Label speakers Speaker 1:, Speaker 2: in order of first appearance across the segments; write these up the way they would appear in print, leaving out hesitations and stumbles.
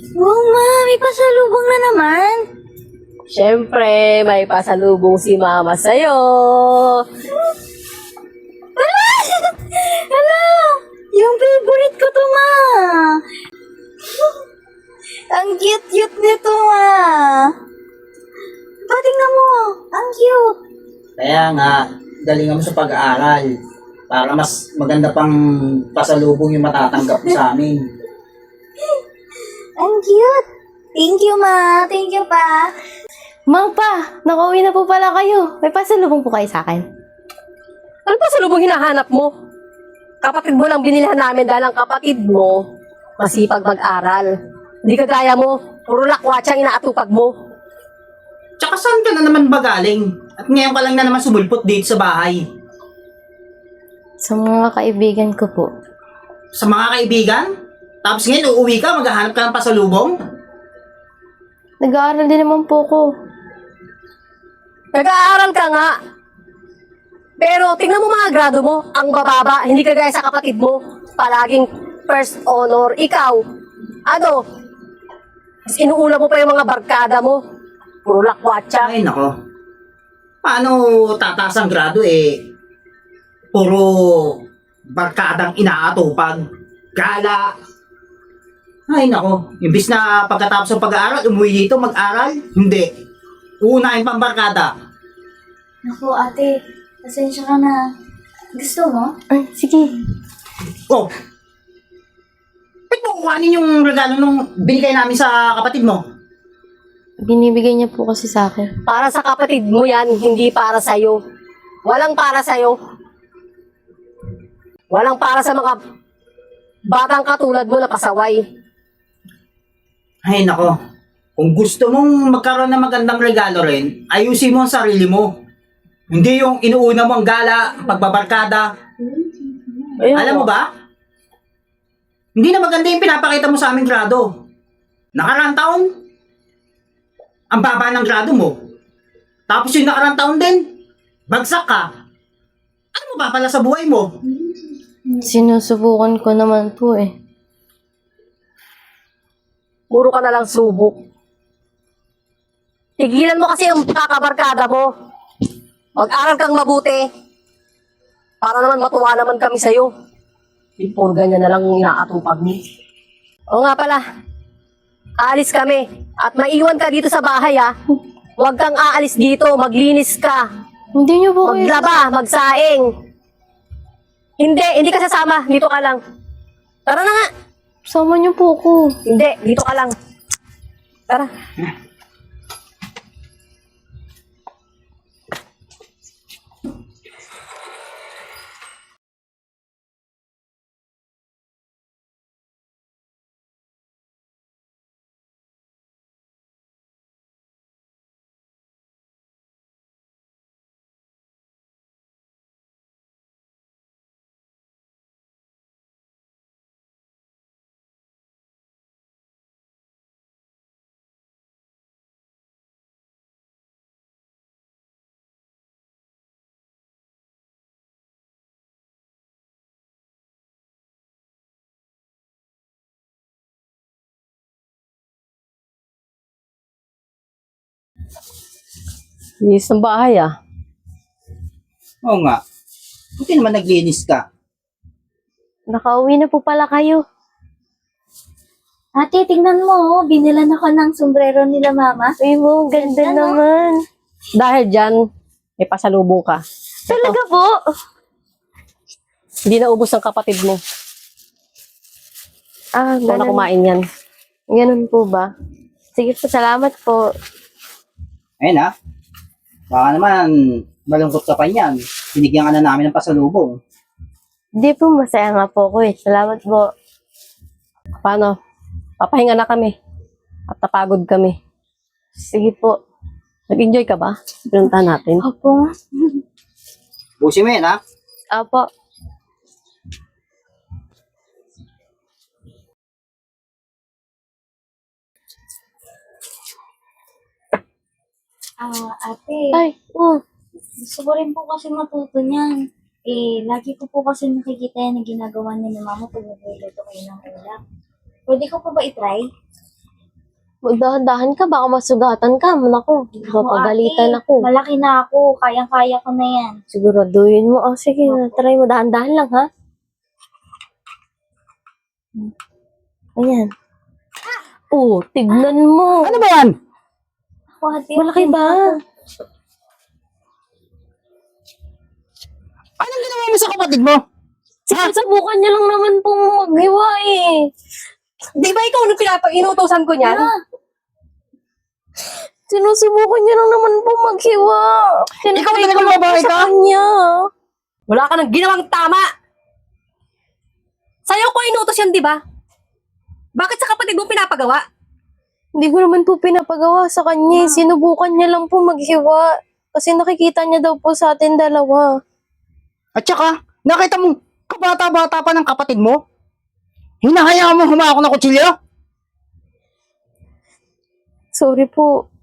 Speaker 1: Oo, ma. May pasalubong na naman.
Speaker 2: Siyempre, may pasalubong si Mama sa'yo.
Speaker 1: Hala! Yung favorite ko to, ma. Ang cute-cute nito, ma. Tingnan mo. Ang cute.
Speaker 3: Kaya nga, galingan mo sa pag-aaral para mas maganda pang pasalubong yung matatanggap mo sa amin.
Speaker 1: Ang cute. Thank you, ma. Thank you, pa.
Speaker 4: Mang pa, nakauwi na po pala kayo. May pasalubong po kayo sa akin.
Speaker 2: Ano pasalubong hinahanap mo? Kapatid mo lang binilhan namin dahil ang kapatid mo masipag mag-aral. Hindi kagaya mo, puro lakwatsa ang inaatupag mo.
Speaker 3: Tsaka saan ka na naman ba galing? At ngayon ka lang na naman sumulpot dito sa bahay.
Speaker 4: Sa mga kaibigan ko po.
Speaker 3: Sa mga kaibigan? Tapos ngayon uuwi ka, maghahanap ka ng pasalubong?
Speaker 4: Nag-aaral din naman po ko.
Speaker 2: Nag-aaral ka nga. Pero tingnan mo mga grado mo, ang bababa, hindi kagaya sa kapatid mo. Palaging first honor, ikaw. Ano? Mas inuula mo pa yung mga barkada mo. Puro lakwatsa.
Speaker 3: Ay, nako. Paano tataas ang grado puro barkadang inaatupag, gala. Ay, nako. Imbis na pagkatapos ng pag-aaral, umuwi dito mag-aral, hindi. Uunahin pang barkada.
Speaker 1: Naku, ate. Pasensya ka na. Gusto mo?
Speaker 4: Ay, sige.
Speaker 3: Oh! Ba't mo kuhanin yung regalo nung binigay namin sa kapatid mo?
Speaker 4: Binibigay niya po kasi sa akin.
Speaker 2: Para sa kapatid mo yan, hindi para sa'yo. Walang para sa'yo. Walang para sa mga batang katulad mo na pasaway.
Speaker 3: Ay, nako. Kung gusto mong magkaroon ng magandang regalo rin, ayusin mo ang sarili mo. Hindi yung inuuna mo ang gala, pagbabarkada.
Speaker 2: Ayun,
Speaker 3: Alam mo ba? Hindi na maganda yung pinapakita mo sa aming grado. Nakaraang taon, ang baba ng grado mo. Tapos yung nakaraang taon din, bagsak ka. Ano mo ba pala sa buhay mo?
Speaker 4: Sinusubukan ko naman po eh.
Speaker 2: Puro ka na lang subok. Tigilan mo kasi ang kakabarkada mo. Mag-aral kang mabuti. Para naman matuwa naman kami sa'yo. Puro ganyan na lang inaatupag mo. O nga pala, aalis kami. At maiwan ka dito sa bahay ha. Huwag kang aalis dito, maglinis ka.
Speaker 4: Hindi niyo po kayo...
Speaker 2: Maglaba, magsaing. Hindi ka sasama. Dito ka lang. Tara na nga.
Speaker 4: Sama niyo po ko.
Speaker 2: Hindi, dito ka lang. Tara. Linis ng bahay ah.
Speaker 3: Oo nga. Buti naman naglinis ka.
Speaker 4: Nakauwi na po pala kayo.
Speaker 1: Ate, tingnan mo. Binilan ako ng sombrero nila, mama.
Speaker 4: Uy mo, ganda
Speaker 1: Ganda, no?
Speaker 4: naman.
Speaker 2: Dahil dyan, may pasalubong ka.
Speaker 4: Talaga po?
Speaker 2: Hindi na ubos ng kapatid mo.
Speaker 4: Ah,
Speaker 2: Ikaw na
Speaker 4: ganun.
Speaker 2: kumain yan.
Speaker 4: Ganun po ba? Sige po, salamat po.
Speaker 3: Ayun ha. Baka naman malungkot ka pa niyan. Binigyan ka na namin ng pasalubong.
Speaker 4: Hindi po, masaya nga po ko eh. Salamat po.
Speaker 2: Paano? Papahinga na kami. At napagod kami.
Speaker 4: Sige po.
Speaker 2: Nag-enjoy ka ba? Pinuntahan natin.
Speaker 4: Opo.
Speaker 3: Busi mo yan ha.
Speaker 4: Opo.
Speaker 1: Ate.
Speaker 4: Ay, oh.
Speaker 1: Gusto ko rin po kasi matuto niyan. Lagi ko po kasi nakikita yan na ginagawa niya ni mama pag nagluluto kayo ng ulam. Pwede ko po ba itry?
Speaker 4: Magdahan-dahan ka, baka masugatan ka. Naku, mapagalitan
Speaker 1: Ate,
Speaker 4: ako.
Speaker 1: malaki na ako. Kayang-kaya ko na yan.
Speaker 4: Siguraduhin mo. Oh, sige, try mo. Dahan-dahan lang, ha? Ayan. Oh, tignan mo.
Speaker 3: Ano ba yan?
Speaker 1: Ako, ate,
Speaker 4: Malaki ba?
Speaker 3: Anong ginawa mo sa kapatid mo?
Speaker 4: Sinusubukan niya lang naman pong maghiwa eh.
Speaker 2: Di ba ikaw nung inutosan ko niyan?
Speaker 4: Sinusubukan niya lang naman pong maghiwa.
Speaker 3: Ikaw talaga babae ka?
Speaker 4: Sa kanya.
Speaker 2: Wala ka nang ginawang tama. Sa'yo ko inutos yan, di ba? Bakit sa kapatid mo pinapagawa?
Speaker 4: Hindi ko naman po pinapagawa sa kanya. Sinubukan niya lang po maghiwa. Kasi nakikita niya daw po sa atin dalawa.
Speaker 3: At saka, nakita mo, kabata-bata pa ng kapatid mo? Hinahayaan mo humawak ng kutsilyo?
Speaker 4: Sorry po.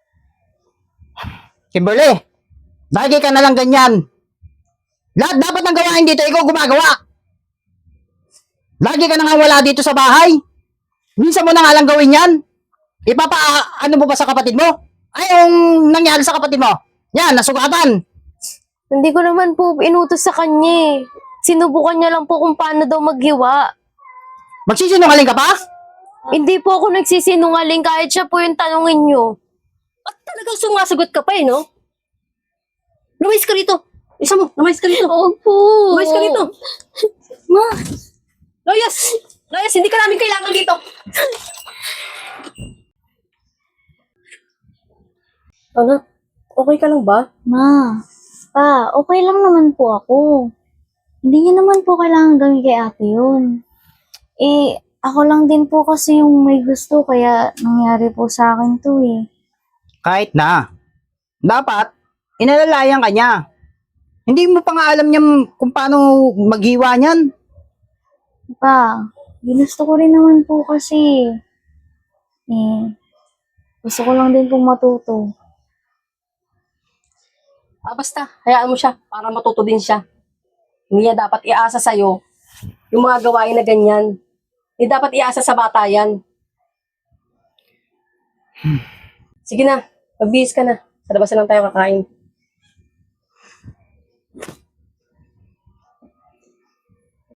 Speaker 3: Kimberly, lagi ka na lang ganyan. Lahat dapat ng gawain dito, ikaw gumagawa. Lagi ka na nga wala dito sa bahay. Minsan mo na nga lang gawin yan. Ano mo ba sa kapatid mo? Ay, yung nangyari sa kapatid mo. Yan, nasugatan.
Speaker 4: Hindi ko naman po inutos sa kanya eh. Sinubukan niya lang po kung paano daw maghiwa.
Speaker 3: Magsisinungaling ka pa?
Speaker 4: Hindi po ako nagsisinungaling kahit siya po yung tanungin niyo.
Speaker 2: At talagang sumasagot ka pa eh, no? Lumayas ka rito. Isa mo, lumayas ka rito.
Speaker 4: Opo.
Speaker 2: Lumayas ka rito. Ma! Layas! Layas, hindi ka namin kailangan dito. Anak, okay ka lang ba?
Speaker 1: Ma, pa, okay lang naman po ako. Hindi niya naman po kailangan gawin kay ate yun. Eh, ako lang din po kasi yung may gusto, kaya nangyari po sa akin to eh.
Speaker 3: Kahit na. Dapat, inalalayan ka niya. Hindi mo pa nga alam niya kung paano maghiwa niyan.
Speaker 1: Pa, ginusto ko rin naman po kasi. Eh, gusto ko lang din pong matuto.
Speaker 2: Basta, hayaan mo siya para matuto din siya. Hindi niya dapat iasa sa'yo yung mga gawain na ganyan. Hindi dapat iasa sa bata yan. Sige na, magbihis ka na. Sa labas na lang tayo kakain.